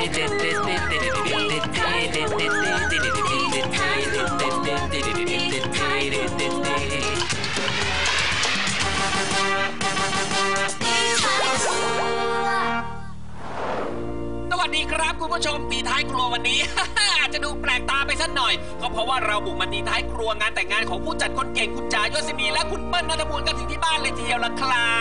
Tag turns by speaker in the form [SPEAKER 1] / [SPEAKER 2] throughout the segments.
[SPEAKER 1] สวัสดีครับคุณผู้ชมตีท้ายครัววันนี้ อาจจะดูแปลกตาไปสักหน่อยก็เพราะว่าเราบุกมาตีท้ายครัวงานแต่งงานของผู้จัดคนเก่งคุณจ๋ายศินีและคุณเปิ้ลณัฐภูลกันถึงที่บ้านเลยทีเดียวล่ะครับ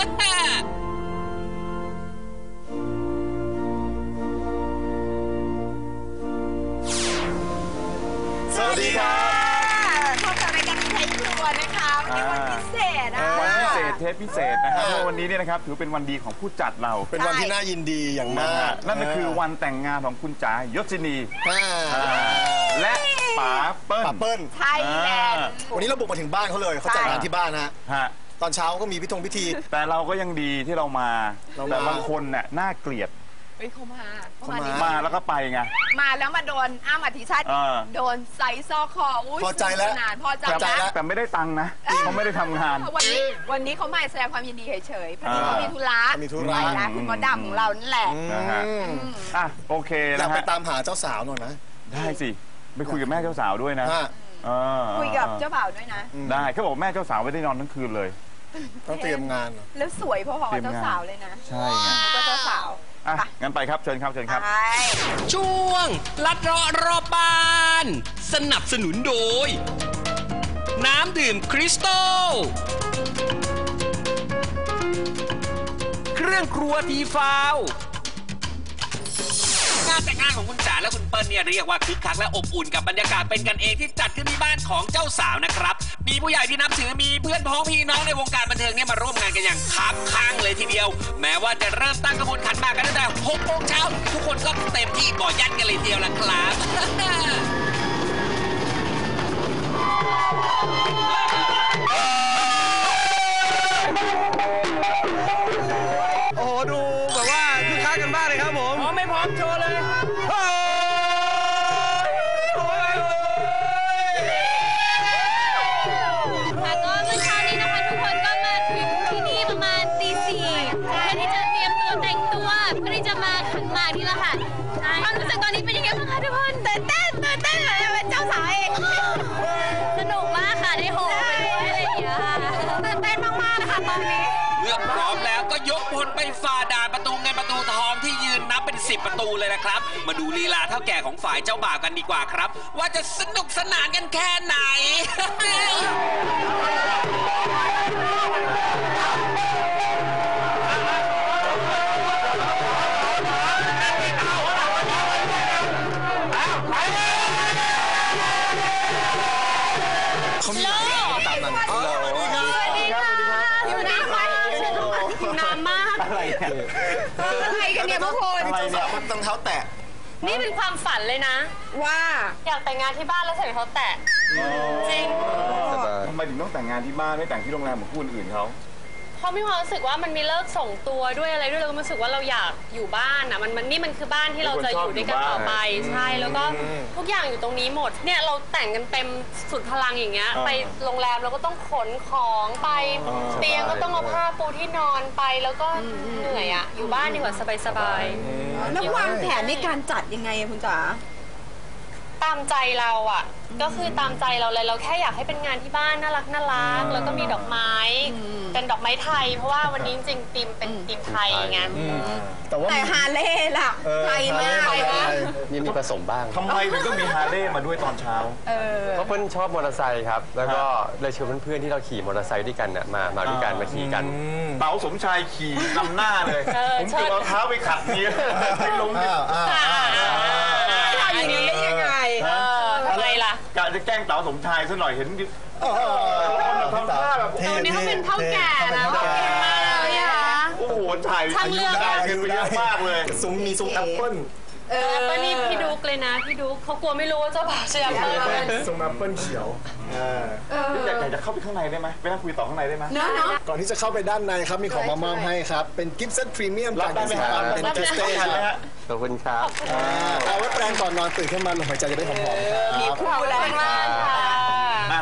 [SPEAKER 2] สวัสดีครับ
[SPEAKER 3] พบกับรายการตีท้ายครัวนะคะวันนี้วันพิเศษ
[SPEAKER 2] วันพิเศษเทปพิเศษนะครับเพราะวันนี้เนี่ยนะครับถือเป็นวันดีของผู้จัดเรา
[SPEAKER 4] เป็นวันที่น่ายินดีอย่างมาก
[SPEAKER 2] นั่นก็คือวันแต่งงานของคุณจ๋ายศินีและป๋าเปิ้ล
[SPEAKER 3] ไทยแลนด์
[SPEAKER 4] วันนี้เราบุกมาถึงบ้านเขาเลยเขาจัดงานที่บ้านนะตอนเช้าก็มีพิธี
[SPEAKER 2] แต่เราก็ยังดีที่เรามาแต่บางคนเนี่ยน่าเกลียด
[SPEAKER 3] เขา
[SPEAKER 2] มาแล้วก็ไปไง
[SPEAKER 3] มาแล้วมาโดนอ้ำอธิชาติโดนไซซอคอ
[SPEAKER 4] พอใจแล้ว
[SPEAKER 3] พอใจแล้ว
[SPEAKER 2] แต่ไม่ได้ตังค์นะเขาไม่ได้ทำงาน
[SPEAKER 3] วันนี้เขามาแสดงความยินดีเฉยๆพอดีเขามีธุระไปแล้วคุณมดดำของเรานั่นแหละ
[SPEAKER 2] โอเค
[SPEAKER 4] อยากไปตามหาเจ้าสาวหน่อยนะ
[SPEAKER 2] ได้สิไปคุยกับแม่เจ้าสาวด้วยนะ
[SPEAKER 3] คุยกับเจ้าบ่าวด้วยนะ
[SPEAKER 2] ได้เขาบอกแม่เจ้าสาวไม่ได้นอนทั้งคืนเลย
[SPEAKER 4] ต้องเตรียมงาน
[SPEAKER 3] แล้วสวยพอๆเจ้าสาวเลยนะ
[SPEAKER 2] ใช่
[SPEAKER 3] ก็เจ้าสาว
[SPEAKER 2] งั้นไปครับเชิญครับ
[SPEAKER 1] ช่วงลัดเลาะรอบบ้านสนับสนุนโดยน้ำดื่มคริสตัลเครื่องครัวทีฟาวงานแต่งงานของคุณจ๋าและคุณเปิ้ลเนี่ยเรียกว่าคึกคักและอบอุ่นกับบรรยากาศเป็นกันเองที่จัดขึ้นที่บ้านของเจ้าสาวนะครับมีผู้ใหญ่ที่นับถือมีเพื่อนพ้องพี่น้องในวงการบันเทิงเนี่ยมาร่วมงานกันอย่างคับข้างเลยทีเดียวแม้ว่าจะเริ่มตั้งขบวนขันหมากกันตั้งแต่6 โมงเช้าทุกคนก็เต็มที่ก่อยันกันเลยทีเดียวล่ะครับ
[SPEAKER 4] โอ้โหดูแบบว่าคึกคักกันบ้างเลยครับผม
[SPEAKER 1] พร้อมไม่พร้อมโชว์เลย
[SPEAKER 5] ความรู้สึกตอนนี้เป็นยังไงบ้างคะทุกคนตื่นเต้นเลยเป็นเจ้าสาวเองสนุกมากค่ะได้โหไปด้วยอะไรอย่างเงี้ยตื่นเต้นมากๆนะคะตอนนี้
[SPEAKER 1] เมื่อพร้อมแล้วก็ยกพลไปฝ่าด่านประตูเงินประตูทองที่ยืนนับเป็น10 ประตูเลยนะครับมาดูลีลาเท่าแก่ของฝ่ายเจ้าบ่าวกันดีกว่าครับว่าจะสนุกสนานกันแค่ไหน
[SPEAKER 4] เขามีตามนั้น
[SPEAKER 5] สวัสดีค่ะหิวน้ำไหมหิวน้ำมาก
[SPEAKER 3] อะไรกันเนี่ยพวกคุณ
[SPEAKER 4] ต้องเท้าแตะ
[SPEAKER 5] นี่เป็นความฝันเลยนะ
[SPEAKER 3] ว่า
[SPEAKER 5] อยากแต่งงานที่บ้านแล้วใส่รองเท้าแตะจริง
[SPEAKER 2] ทำไมถึงต้องแต่งงานที่บ้านไม่แต่งที่โรงแรมเหมือนคู่อื่นเขา
[SPEAKER 5] เพราะมีความรู้สึกว่ามันมีเลิกส่งตัวด้วยอะไรด้วยเราก็รู้สึกว่าเราอยากอยู่บ้านอ่ะนี่มันคือบ้านที่เราจะอยู่ด้วยกันต่อไปใช่แล้วก็ทุกอย่างอยู่ตรงนี้หมดเนี่ยเราแต่งกันเต็มสุดพลังอย่างเงี้ยไปโรงแรมเราก็ต้องขนของไปเตียงก็ต้องเอาผ้าปูที่นอนไปแล้วก็เหนื่อยอ่ะอยู่บ้านดีกว่าสบาย
[SPEAKER 3] ๆแล้ววางแผนในการจัดยังไงคุณจ๋า
[SPEAKER 5] ตามใจเราอ่ะก็คือตามใจเราเลยเราแค่อยากให้เป็นงานที่บ้านน่ารักแล้วก็มีดอกไม้เป็นดอกไม้ไทยเพราะว่าวันนี้จริงๆธีมเป็นธีมไทยไง
[SPEAKER 3] แต่ฮาร์เลย์ล่ะไทยมาก
[SPEAKER 6] นี่มีผสมบ้าง
[SPEAKER 2] ทำไมถึงต้องมีฮาร์เลย์มาด้วยตอนเช้า
[SPEAKER 6] เพราะเพื่อนชอบมอเตอร์ไซค์ครับแล้วก็เลยชวนเพื่อนๆที่เราขี่มอเตอร์ไซค์ด้วยกันมาด้วยกันมาขี่กัน
[SPEAKER 2] เต๋าสมชายขี่นำหน้าเลยผมเกือบเอาเท้าไปขัดนี้ไม่ล้ม
[SPEAKER 3] อย่างนี้ยังไง
[SPEAKER 5] อะไรล่ะ
[SPEAKER 2] กะจะแกล้งเต๋าสมชายซะหน่อยเห็นทำท่าแบบ
[SPEAKER 5] ตอนนี้เขาเป็นเท่าแก่แล้วเก่งมากเลยอะ
[SPEAKER 2] โอ้โหถ่ายอายุได้เกินไปเยอะมากเลย
[SPEAKER 4] มีซุ้มแอปเปิ้ล
[SPEAKER 5] ก็นี่พี่ดุ๊กเลยนะพี่ดุ๊กเขากลัวไม่รู้ว่าเจ้าบ่าวเชียร์อะไร
[SPEAKER 4] ซุ้มแอปเปิ้ลเขียว
[SPEAKER 2] อยากจะเข้าไปข้างในได้ไหมไปนั่งคุยต่อข้างในได้ไหม
[SPEAKER 4] ก่อนที่จะเข้าไปด้านในครับมีของมามอบให้ครับเป็นกิฟต์เซตพรีเมียมจากสินค้าเป็นเทสเต้ครับ
[SPEAKER 6] ขอบคุณครับ
[SPEAKER 4] เอาไว้แปรงก่อนนอนตื่นขึ้นมาลมหายใจจะได้หอมๆ
[SPEAKER 3] มีคู่แล้ว
[SPEAKER 2] ง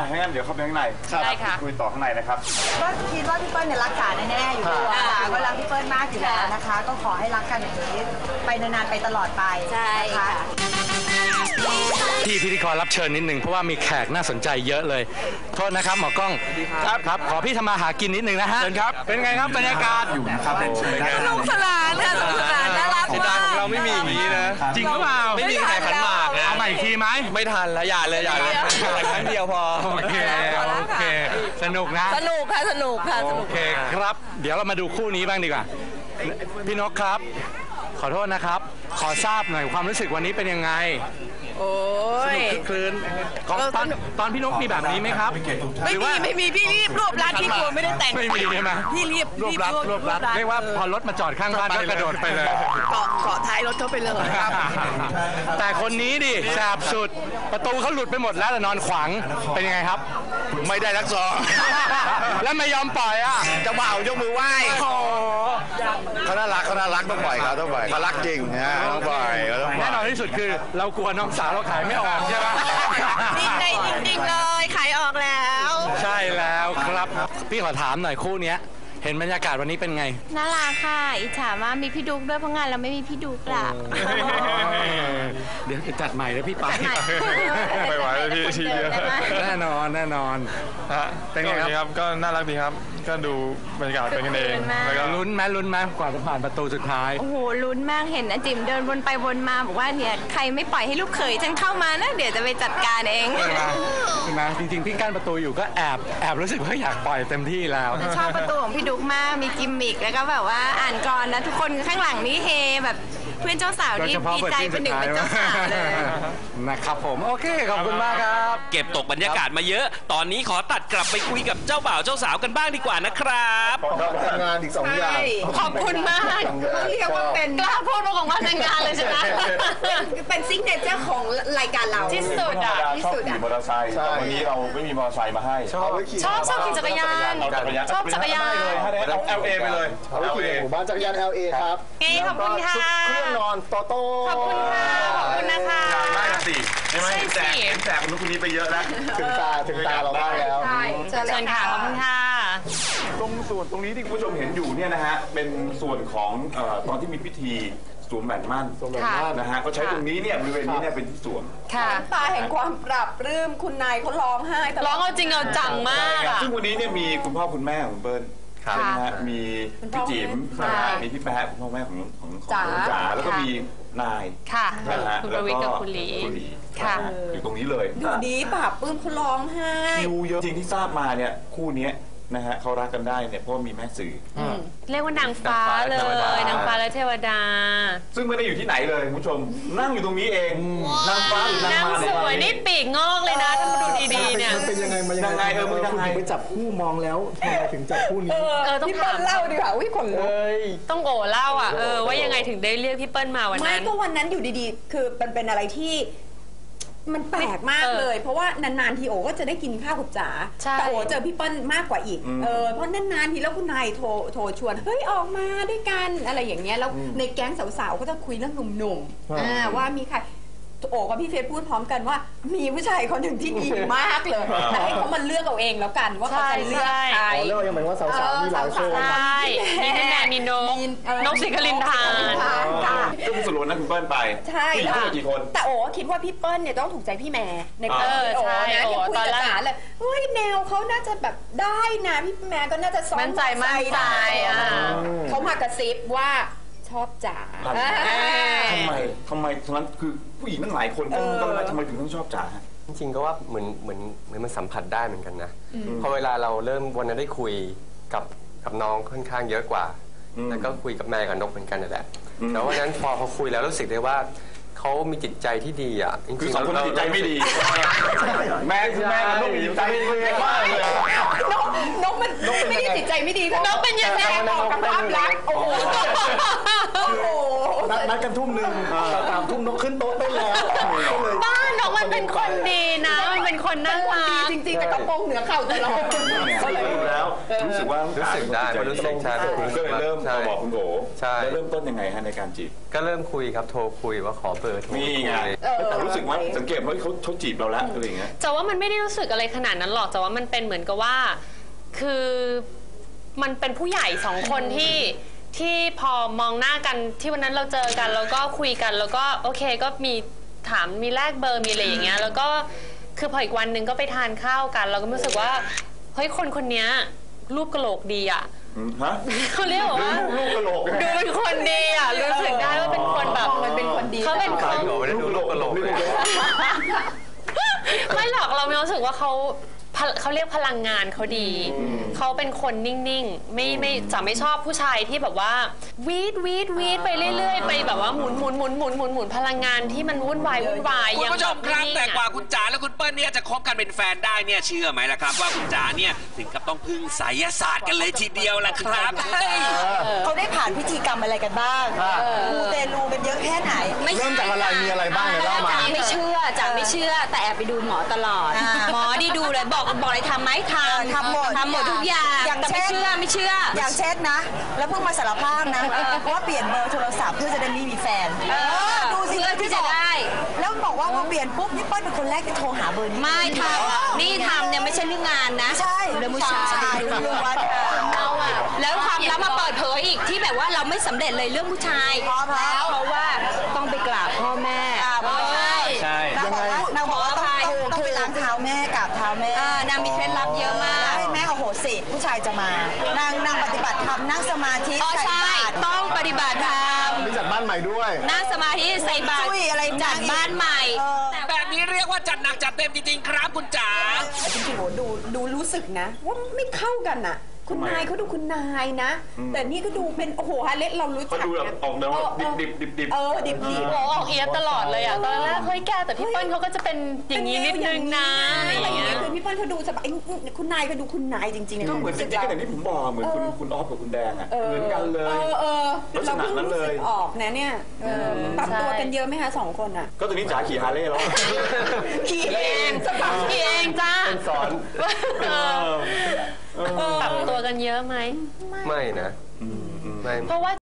[SPEAKER 2] ถ้างั้นเดี๋ยวเข้าไปข้างใน
[SPEAKER 5] ได้ค่ะ
[SPEAKER 2] คุยต่อข้างในนะครับ
[SPEAKER 7] ก็คิดว่าพี่เปิ้ลเนี่ยรักษาแน่ๆอยู่ตัวค่ะก็รักพี่เปิ้ลมากอยู่แล้วนะคะ ก็ขอให้รักกันอย่างนี้ไปนานๆไปตลอดไป
[SPEAKER 3] ใช่ค่ะ
[SPEAKER 8] ที่พิธีกรรับเชิญนิดหนึ่งเพราะว่ามีแขกน่าสนใจเยอะเลยโทษนะครับหมอกล้องครับขอพี่ทำมาหากินนิดหนึ่งนะฮะเชิญครับเป็นไงครับบรรยากาศอยู่นะครับ
[SPEAKER 3] สนุกสนานค่ะสนุกสนานน่ารักมาก
[SPEAKER 6] เราไม่มีอย่างนี้นะ
[SPEAKER 8] จริงหรือเปล่า
[SPEAKER 6] ไม่มีแห่ขันหมากนะ
[SPEAKER 8] เอาใหม่อีกทีไหม
[SPEAKER 6] ไม่ทันแล้วอย่าเลยแต่ครั้งเดียวพอ
[SPEAKER 8] โอเคสนุกนะ
[SPEAKER 3] สนุกค่ะสนุกค่ะส
[SPEAKER 8] โอ
[SPEAKER 3] นุก
[SPEAKER 8] เคครับ เดี๋ยวเรามาดูคู่นี้บ้างดีกว่าพี่นกครับ ขอโทษนะครับ ขอทราบหน่อยความรู้สึกวันนี้เป็นยังไง
[SPEAKER 3] โอ้ย
[SPEAKER 8] คึกคืนตอนพี่นกมีแบบนี้ไหมครับ
[SPEAKER 3] ไม่มีพี่รีบรวบรัดพี่กลัวไม่ได้แต่ง
[SPEAKER 8] ไม่มีใช่ไหม
[SPEAKER 3] พี่รีบ
[SPEAKER 8] รวบรัดเรียกว่าพอรถมาจอดข้างบ้านก็กระโดดไปเลย
[SPEAKER 3] เกาะท้ายรถเขาไปเลยครับ
[SPEAKER 8] แต่คนนี้ดิแสบสุดประตูเขาหลุดไปหมดแล้วแต่นอนขวางเป็นยังไงครับ
[SPEAKER 6] ไม่ได้รักซอง
[SPEAKER 8] แล้วไม่ยอมปล่อยอ่ะ
[SPEAKER 6] จะบ่าวยกมือไหว้เขาน่ารักต้องปล่อยเขาเขารักจริงนะต้องปล่อย
[SPEAKER 8] แน่นอนที่สุดคือเรากลัวน้องสาวเราขายไม่ออกใช่ไหม
[SPEAKER 3] จริงเลยขายออกแล้ว
[SPEAKER 8] ใช่แล้วครับพี่ขอถามหน่อยคู่เนี้ยเห็นบรรยากาศวันนี้เป็นไง
[SPEAKER 9] น่ารักค่ะ อิจฉามากมีพี่ดุ๊กด้วยเพราะงานเราไม่มีพี่ดุ๊กล่ะ
[SPEAKER 8] เดี๋ยวจะจัดใหม่แล้วพี่ไป
[SPEAKER 6] ไม่ไหวแล้วพี่ทีเดียว
[SPEAKER 8] แน่นอนเป็นไงครับ
[SPEAKER 6] ก็น่ารักดีครับ ก็ดูบรรยากาศเป็นกันเองแล้วก็
[SPEAKER 8] ลุ้นไหมกว่าจะผ่านประตูสุดท้าย
[SPEAKER 9] โอ้โหลุ้นมากเห็นอาจิมเดินวนไปวนมาบอกว่าเนี่ยใครไม่ปล่อยให้ลูกเขยฉันเข้ามานะเดี๋ยวจะไปจัดการเอง
[SPEAKER 8] ใช่ไหมจริงๆพี่กั้นประตูอยู่ก็แอบรู้สึกว่าอยากปล่อยเต็มที่แล้ว
[SPEAKER 9] ชอบประตูของพี่ดุ๊กมากมีกิมมิกแล้วก็แบบว่าอ่านกรนะทุกคนข้างหลังนี่เฮแบบเพื่อนเจ้าสาว
[SPEAKER 8] โดย
[SPEAKER 9] นี่
[SPEAKER 8] เฉพาะ
[SPEAKER 9] ดีใจเป็นหนึ่งเป็นเจ้าสาวเลย
[SPEAKER 8] นะครับผมโอเคขอบคุณมากครับ
[SPEAKER 1] เก็บตกบรรยากาศมาเยอะ ตอนนี้ขอตัดกลับไปคุยกับเจ้าบ่าวเจ้าสาวกันบ้างดีกว่านะครับ
[SPEAKER 4] ทำงานอีก2 อย่าง
[SPEAKER 3] ขอบคุณมากเรียกว่าเป็น
[SPEAKER 5] กล้าพูดของมาแต่งงานเลยใช่ไหม
[SPEAKER 3] เป็นซิกเนเจอร์ของรายการเรา
[SPEAKER 5] ที่สุดอ่ะ
[SPEAKER 3] ที่สุด
[SPEAKER 2] ขี่
[SPEAKER 3] อ่ะ
[SPEAKER 2] มอเตอร์ไซค์แต่วันนี้เราไม่มีมอเตอร์ไซค์มาให้
[SPEAKER 5] ชอบขี่จักรยาน ชอบจักรยาน
[SPEAKER 2] เอา LA ไปเลย
[SPEAKER 4] เอาไปขี่หมู่บ้านจักรยาน LA ครับ
[SPEAKER 5] ขอบคุณค่ะ
[SPEAKER 4] เครื่องนอนโตโต้
[SPEAKER 5] ขอบคุณค่ะขอบคุณนะคะ
[SPEAKER 2] ได้สิใช่ไหม
[SPEAKER 5] ใช่สิ
[SPEAKER 2] เห็นแสบคนนู้นคนนี้ไปเยอะแล้ว
[SPEAKER 4] ถึงตาเราบ้างแล้ว
[SPEAKER 3] ใช่เชิญเล
[SPEAKER 5] เชิ
[SPEAKER 3] ย
[SPEAKER 5] ญค่ะ ขอบคุณค่ะ
[SPEAKER 2] ตรงส่วนตรงนี้ที่คุณผู้ชมเห็นอยู่เนี่ยนะฮะเป็นส่วนของตอนที่มีพิธีสวมแหวนมั่น
[SPEAKER 5] ค่ะ
[SPEAKER 2] นะฮะก็ใช้ตรงนี้เนี่ยบริเวณนี้เนี่ยเป็นที่สวม
[SPEAKER 5] ค่ะ
[SPEAKER 3] ตาแห่งความปรับปลื้มคุณนายเขาร้องไห้ตล
[SPEAKER 5] ร้
[SPEAKER 3] อ
[SPEAKER 5] อ
[SPEAKER 3] ด
[SPEAKER 5] งเอาจริงเอาจังมากอ่ะ
[SPEAKER 2] ซึ่งวันนี้เนี่ยมีคุณพ่อคุณแม่ของคุณเปิ้ล
[SPEAKER 5] ค่ะ
[SPEAKER 2] ใช่ไหมฮะมีพี่จิ๋ม
[SPEAKER 5] ใช่
[SPEAKER 2] มีพี่แป๊ะคุณพ่อแม่ของ
[SPEAKER 3] จ๋า
[SPEAKER 2] จ๋าแล้วก็มีนาย
[SPEAKER 5] ค่ะ
[SPEAKER 2] นะฮะ
[SPEAKER 5] คุณประวิตรกับคุณหลี
[SPEAKER 2] คุณหลี
[SPEAKER 5] ค่ะ
[SPEAKER 2] อยู่ตรงนี้เลย
[SPEAKER 3] ดูดีปรับปลื้มเขาร้องไห้
[SPEAKER 2] คิวเยอะจริงที่ทราบมาเนี่ยคู่เนี้ยนะฮะเขารักกันได้เนี่ยเพราะว่ามีแม่สื่ออ
[SPEAKER 5] เรียกว่านางฟ้าเลย นางฟ้าและเทวดา
[SPEAKER 2] ซึ่งไม่ได้อยู่ที่ไหนเลยคุณผู้ชมนั่งอยู่ตรงนี้เองนางฟ้าหรือนาง
[SPEAKER 5] นาง
[SPEAKER 2] มา
[SPEAKER 5] สวยนี่ปีกงอกเลยนะถ้ามาดูดีๆเนี่ย
[SPEAKER 4] มันเป็นยังไงมายัง
[SPEAKER 2] ยังไง
[SPEAKER 4] ไง
[SPEAKER 2] มึงยัง
[SPEAKER 4] คุณ
[SPEAKER 2] ไง
[SPEAKER 4] ถึงไปจับคู่มองแล้วทำไมถึงจับคู่นี้
[SPEAKER 5] ต้อง
[SPEAKER 3] พี่เปิ้
[SPEAKER 5] ถา
[SPEAKER 3] ล
[SPEAKER 5] ม
[SPEAKER 3] เล่าดีกว่าอุ้ยขนลุก
[SPEAKER 5] ต้องโอเล่าอ่ะว่ายังไงถึงได้เรียกพี่เปิ้ลมาวัน
[SPEAKER 3] ไม่
[SPEAKER 5] นั้น
[SPEAKER 3] ก็วันนั้นอยู่ดีๆ คือมันเป็นอะไรที่ มันแปลกมากเลย เพราะว่านานๆทีโอก็จะได้กินข้าวกับจ๋า
[SPEAKER 5] ใช่
[SPEAKER 3] แต่โอเจอพี่เปิ้ลมากกว่าอีกเพราะนานๆทีแล้วคุณนายโทรชวนเฮ้ยออกมาด้วยกันอะไรอย่างเงี้ยแล้วในแก๊งสาวๆก็จะคุยเรื่องหนุ่มๆว่ามีใครโอกับพี่เฟซพูดพร้อมกันว่า มีผู้ชายคนหนึ่งที่ดีมากเลยแต่ให้เขามาเลือกเอาเองแล้วกันว่าเขาจะเลือกใคร
[SPEAKER 4] อ๋อเรื่องยังหมายว่าสาวๆมีหลายคน
[SPEAKER 5] ใช่มีพี่แมนมีนกนกสิคลินทาน
[SPEAKER 3] ค่ะ
[SPEAKER 2] ก็คือสรุปนะคุณเปิ้ลไป
[SPEAKER 3] ใช่
[SPEAKER 2] ผู้หญิงทั้งหมดกี่คน
[SPEAKER 3] แต่โอ้คิดว่าพี่เปิ้ลเนี่ยต้องถูกใจพี่แม่ในความคิดโอ้
[SPEAKER 5] ใช่
[SPEAKER 3] นะที่คุย
[SPEAKER 5] ตอน
[SPEAKER 3] กับ
[SPEAKER 5] แรก
[SPEAKER 3] จ๋าเลยเฮ้ยแนวเขาน่าจะแบบได้นะพี่แม่ก็น่าจะซ้อม
[SPEAKER 5] มั่นใจอ่ะ
[SPEAKER 3] เขามากระซิบว่าชอบจ๋า
[SPEAKER 2] ทำไมตรงนั้นคือผู้หญิงตั้งหลายคนก็ไม่ทำไมถึงต้องชอบจ๋า
[SPEAKER 6] จริงๆก็ว่าเหมือนมันสัมผัสได้เหมือนกันนะพอเวลาเราเริ่มวันนั้นได้คุยกับน้องค่อนข้างเยอะกว่า แล้วก็คุยกับแม่กับนกเหมือนกันนั่นแหละแต่วันนั้นพอเขาคุยแล้วรู้สึกได้ว่าเขามีจิตใจที่ดีอ่ะจริงๆ
[SPEAKER 2] คือสองคนจิตใจไม่ดีแม่กับนกมีจิตใจไม่ดีมากเลย
[SPEAKER 3] นกมันไม่ได้จิตใจไม่ดีนกเป็นยังไงออกกับความรักโอ้โห
[SPEAKER 4] นัดกันทุ่มหนึ่งแต่3 ทุ่มนกขึ้นโต๊ะได้แล้วเลย
[SPEAKER 5] บ้านนกมันเป็นคนดีนะ มันเป็นคนน่ารัก
[SPEAKER 3] จริงๆแต่กระโปรงเหนือเข่าตลอด
[SPEAKER 2] ก็เลยรู้แล้วรู้สึกว่า
[SPEAKER 6] รู้สึกได้รู้สึกใช่
[SPEAKER 2] ก็เลยเริ่มมาบอกคุณโอ
[SPEAKER 6] ใช่
[SPEAKER 2] แล้วเริ่มต้นยังไงฮะในการจีบ
[SPEAKER 6] ก็เริ่มคุยครับโทรคุยว่าขอเบอร์โทร
[SPEAKER 2] นี่ไงแต่รู้สึกว่าสังเกตว่าเขาจีบเราแล้วอะไรอย่างเงี้ย
[SPEAKER 5] แต่ว่ามันไม่ได้รู้สึกอะไรขนาดนั้นหรอกแต่ว่ามันเป็นเหมือนกับว่าคือมันเป็นผู้ใหญ่สองคนที่พอมองหน้ากันที่วันนั้นเราเจอกันแล้วก็คุยกันแล้วก็โอเคก็มีถามมีแลกเบอร์มีอะไรอย่างเงี้ยแล้วก็คือพออีกวันหนึ่งก็ไปทานข้าวกันเราก็รู้สึกว่าเฮ้ยคนเนี้ยรูปกะโหลกดีอ่ะเขาเรียกว่าดูเป็นคนดีอ่ะรู้สึกได้ว่าเป็นคนแบบมันเป็นคนดีเขาเป็นคน
[SPEAKER 6] ดูรูปกะโหลกเลย
[SPEAKER 5] ไม่หรอกเราไม่รู้สึกว่าเขาเรียกพลังงานเขาดีเขาเป็นคนนิ่งๆไม่จะไม่ชอบผู้ชายที่แบบว่าวีดไปเรื่อยๆไปแบบว่าหมุนพลังงานที่มันวุ่นวาย
[SPEAKER 1] คุณผู้ชมครับแต่กว่าคุณจ๋าและคุณเปิ้ลเนี่ยจะคบกันเป็นแฟนได้เนี่ยเชื่อไหมล่ะครับว่าคุณจ๋าเนี่ยถึงกับต้องพึ่งไสยศาสตร์กันเลยทีเดียวล่ะครับ
[SPEAKER 7] เขาได้ผ่านพิธีกรรมอะไรกันบ้างมูเตลูกันเยอะแค่ไหน
[SPEAKER 4] เริ่มจากอะไรมีอะไรบ้างเลยเล่ามา
[SPEAKER 9] ไม่เชื่อแต่แอบไปดูหมอตลอด หมอดีดูเลยบอกอะไรทำไหมทำหมดทุกอย่างแต่ไม่เชื่อ
[SPEAKER 7] อย่างเช่นนะ แล้วเพิ่งมาสารภาพนะว่าเปลี่ยนเบอร์โทรศัพท์เพื่อจะได้ไม่มีแฟนดูสิ
[SPEAKER 9] เพื่อที่จะได้
[SPEAKER 7] แล้วบอกว่าพอเปลี่ยนปุ๊บนี่เปิ้ลเป็นคนแรกที่โทรหาเบอร์นี้
[SPEAKER 9] ไม่ทำนี่ทำเนี่ยไม่ใช่เรื่องงานนะ
[SPEAKER 7] ใช่
[SPEAKER 9] เรื่องผู้ชาย
[SPEAKER 7] ล้วนๆ
[SPEAKER 9] เราอะแล้วความลับมาเปิดเผยอีกที่แบบว่าเราไม่สำเร็จเลยเรื่องผู้ชายเพราะว่าต้องไปกราบพ่อแม่
[SPEAKER 8] ใช่
[SPEAKER 7] นางบอกว่าต้องไปล้างเท้าแม่กราบเท้าแม่
[SPEAKER 9] นางมีเคล็ดลับเยอะมาก
[SPEAKER 7] ให้แม่โอโหสิผู้ชายจะมานางปฏิบัติธรรมนั่งสมาธิ
[SPEAKER 9] ใช่ต้องปฏิบัติธรรม
[SPEAKER 4] มีจัดบ้านใหม่ด้วย
[SPEAKER 9] นั่งสมาธิใส่บาตรจัดบ้านใหม่
[SPEAKER 1] แบบนี้เรียกว่าจัดหนักจัดเต็มจริงๆครับคุณจ๋า
[SPEAKER 3] จริงๆดูรู้สึกนะว่าไม่เข้ากันอ่ะคุณนายเขาดูคุณนายนะแต่นี่ก็ดูเป็นโอ้โหฮาเล็ตเรารู้จัก
[SPEAKER 2] เขาดูแบบออกแนวดิบ
[SPEAKER 3] ดิบ
[SPEAKER 5] โอ้ออกเอียดตลอดเลยอ่ะตอนแรกเฮ้ยแกแต่พี่เปิ้ลเขาก็จะเป็นอย่างนี้นิดนึงนะอะไรอย่างเงี้ย
[SPEAKER 3] คือพี่เปิ้ลเขาดูสบายคุณนายก็ดูคุณนายจริงๆ
[SPEAKER 2] ก็เหมือนจริงๆอย่างที่ผมบอกเหมือนคุณออฟกับคุณแดงอ่ะเหมือนกันเลย
[SPEAKER 3] เราเพิ่งรู้สึกออกนะเนี่ยปรับตัวกันเยอะไหมคะ2 คนอ่ะ
[SPEAKER 2] ก็ตอนนี้จ๋าขี่ฮาร์เลย์แล้ว
[SPEAKER 5] ขี่เองจ้า
[SPEAKER 6] สอน
[SPEAKER 5] ปรับตัวกันเยอะไหม
[SPEAKER 6] ไม่นะไม่
[SPEAKER 5] เพราะว่า